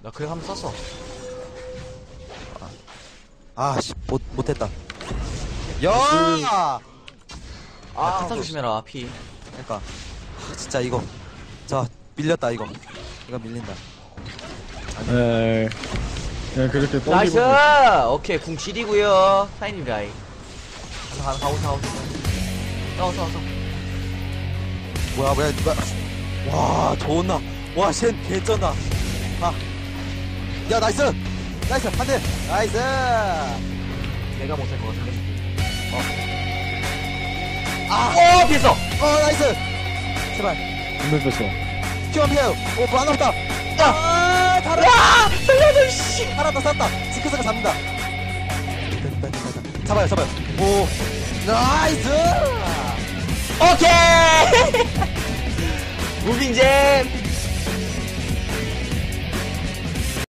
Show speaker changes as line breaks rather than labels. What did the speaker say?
나 그래 한번 썼어.
아씨 못했다. 야!
야, 카타
그-
조심해라, 피.
그러니까 진짜 이거 자 밀렸다 이거 밀린다.
에 그냥 그렇게
나이스!
던지고
오케이, 궁 지리고요 타이님 라이. 가오. 싸워.
뭐야 누가 와 좋나 와쟨 개쩐다. 야 나이스 한대 나이스.
내가 못할 것 같은데. 피했어!
나이스 제발
분명 뺐어.
큐만 피해요. 뭐 하나 없다. 달아.
야! 살려줘, 씨!
살았다 스크스가 잡는다. 잡아요 오 나이스.
오케이! 무빙잼!